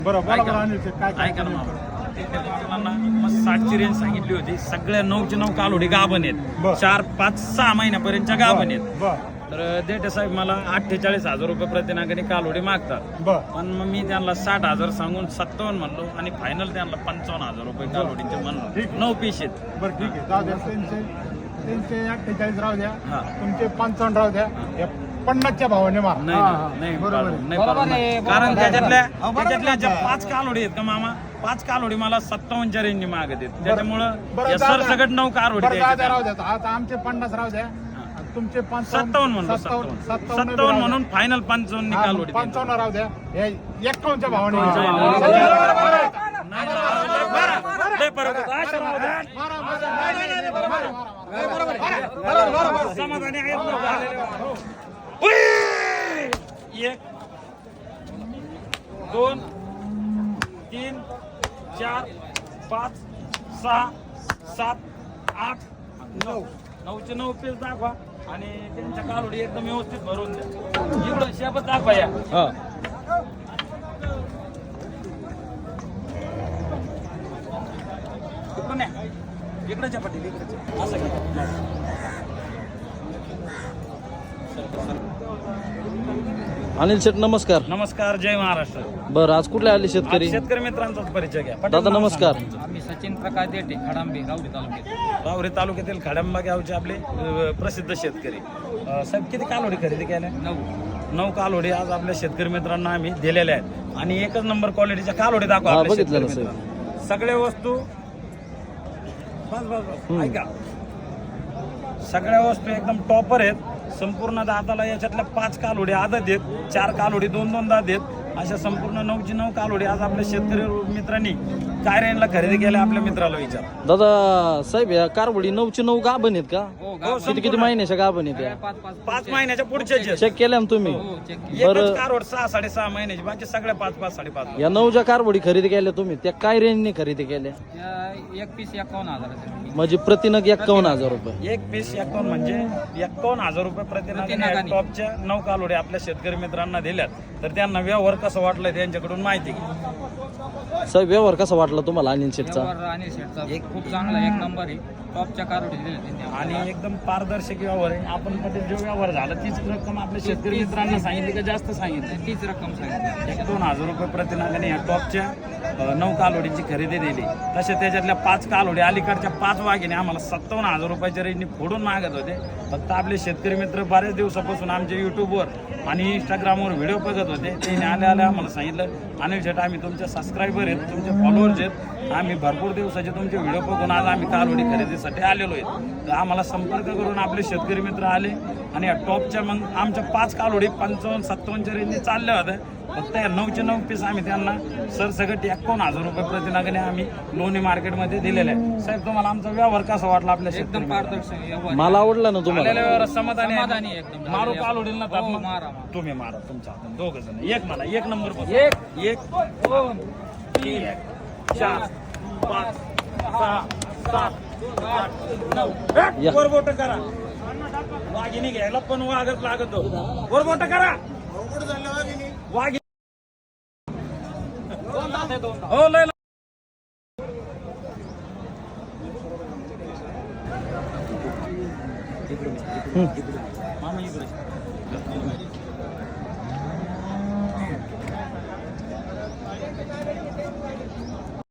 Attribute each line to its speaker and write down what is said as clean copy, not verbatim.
Speaker 1: बरोबर काय
Speaker 2: ऐका ना मला मग 60ची रेंज सांगितली होती. सगळ्या 9चे 9 कालोडी गाभण आहेत. 4, 5, 6 महिन्यापर्यंतच्या गाभण आहेत. तर देठे साहेब मला 48,000 रुपये प्रतिनागाने कालोडी मागतात. पण मग मी त्यांना 60,000 सांगून 57 म्हणलो आणि फायनल त्यांना 55,000 रुपये कालोडीचे म्हणलो. 9 पीस आहेत.
Speaker 1: बरं ठीक आहे, जाऊ द्या. त्यांचे 48 राहू द्या, तुमचे 55 राहू द्या. 50च्या भावाने मार.
Speaker 2: नाही बरोबर नाही, कारण त्याच्यातल्या ज्या 5 कालोडी आहेत का मामा, 5 कालोडी मला 57च्या रेंजनी मागत आहेत. त्याच्यामुळं सरसकट 9 कालोडी
Speaker 1: राहू द्या. आता आमचे 50 राहू द्या, तुमचे
Speaker 2: 57 म्हणलो. 57 म्हणून फायनल 55 कालोडी.
Speaker 1: 55 राहू द्या. 51च्या भावाने
Speaker 2: समाधानी आहेत. 1, 2, 3, 4, 5, 6, 7, 8, 9. 9चे 9 पीस दाखवा आणि त्यांच्या कालोडी एकदम व्यवस्थित भरून द्या. एवढं शेपच दाखवा या. इकडच्या पट्टी असं
Speaker 3: अनिल शेठ नमस्कार.
Speaker 2: नमस्कार, जय महाराष्ट्र.
Speaker 3: बरं, आज कुठले आले शेतकरी?
Speaker 2: शेतकरी मित्रांचाच परिचय घ्या.
Speaker 3: दादा नमस्कार.
Speaker 4: आम्ही सचिन प्रकाश देठे, खडांबे, राऊरी तालुक्यात.
Speaker 2: राहुरी तालुक्यातील खडंबा गावचे आपले प्रसिद्ध शेतकरी. साहेब किती कालोडी खरेदी केल्या? 9 कालोडी आज आपल्या शेतकरी मित्रांना आम्ही दिलेल्या आहेत. आणि एकच नंबर क्वालिटीच्या कालोडी दाखवा आपल्या शेतकरी मित्रांना. सगळ्या वस्तू बस ऐका, सगळ्या वस्तू एकदम टॉपर आहेत. संपूर्ण दाताला याच्यातल्या 5 कालोडी आदत आहेत, 4 कालोडी 2-2 दात आहेत. अशा संपूर्ण 9ची 9 कालोडी आज आपल्या शेतकरी मित्रांनी काय रेंजला खरेदी केल्या आपल्या मित्राला विचार.
Speaker 3: दादा साहेब, या कारवडी 9ची 9 गाभण आहेत का? किती महिन्याच्या गाभण आहेत या?
Speaker 2: 5 महिन्याच्या पुढच्या
Speaker 3: चेक केल्या ना तुम्ही?
Speaker 2: एकच कारवड 6-6.5 महिन्याची, बाकी सगळ्या 5-5, 5.5.
Speaker 3: या 9 ज्या कारवडी खरेदी केल्या तुम्ही, त्या काय रेंजने खरेदी केल्या?
Speaker 4: एक पीस 51,000.
Speaker 3: म्हणजे प्रतिनग 51,000 रुपये.
Speaker 2: एक पीस 51 म्हणजे 51,000 रुपये प्रतिनागाने टॉपच्या 9 कालोडी आपल्या शेतकरी मित्रांना दिल्यात. तर त्यांना व्यवहार कसं वाटलं त्यांच्याकडून माहिती घ्या.
Speaker 3: साहेब, व्यवहार कसा वाटला तुम्हाला अनिल शेठचा?
Speaker 4: अनिल शेठचा एक खूप चांगला, एक नंबर आहे. टॉपच्या कारोडी दिले
Speaker 2: आणि एकदम पारदर्शक व्यवहार आहे. आपण मध्ये जो व्यवहार झाला तीच रक्कम आपल्या शेतकरी मित्रांना सांगितली का जास्त सांगितली?
Speaker 4: तीच रक्कम सांगितली.
Speaker 2: 1-2,000 रुपये प्रतिनागाने या टॉपच्या 9 कालोडीची खरेदी दिली. तसे त्याच्यातल्या 5 कालोडी अलीकडच्या 5 वाघिणी आम्हाला 57,000 रुपयाच्या रेंजनी फोडून मागत होते. फक्त आपले शेतकरी मित्र बऱ्याच दिवसापासून आमच्या युट्यूबवर आणि इंस्टाग्रामवर व्हिडिओ बघत होते. त्याने आल्या आम्हाला सांगितलं, अनिल शेठ आम्ही तुमचे सबस्क्रायबर आहेत, तुमचे फॉलोअर्स आहेत, आम्ही भरपूर दिवसाचे तुमचे व्हिडिओ बघून आज आम्ही कालोडी खरेदीसाठी आलेलो आहेत. तर आम्हाला संपर्क करून आपले शेतकरी मित्र आले आणि या टॉपच्या मग आमच्या 5 कालोडी 55-57च्या रेंजने चालल्या होत्या. फक्त या 9चे 9 पीस आम्ही त्यांना सरसकट 51,000 रुपये प्रतिनागाने आम्ही लोणी मार्केटमध्ये दिलेले आहे. साहेब, तुम्हाला आमचा व्यवहार कसा वाटला? आपल्या
Speaker 4: एकदम पारदर्शक.
Speaker 3: मला आवडला ना तुम्हाला?
Speaker 2: व्यवहार समाधानी
Speaker 4: समाधानी एकदम.
Speaker 2: मारू कालोडील ना
Speaker 4: हो, मारा.
Speaker 2: तुम्ही मारा तुमच्या हातात दोघ जण. एक म्हणा, 1 नंबर बघ.
Speaker 4: 1,
Speaker 2: 2, 3, 4, 5, 6, 7, 8, 9. वर बोट करा. वाघिणी घ्यायला पण वाघच लागतो. वर बोट करा. वाघिणी हो लय मामा इकडे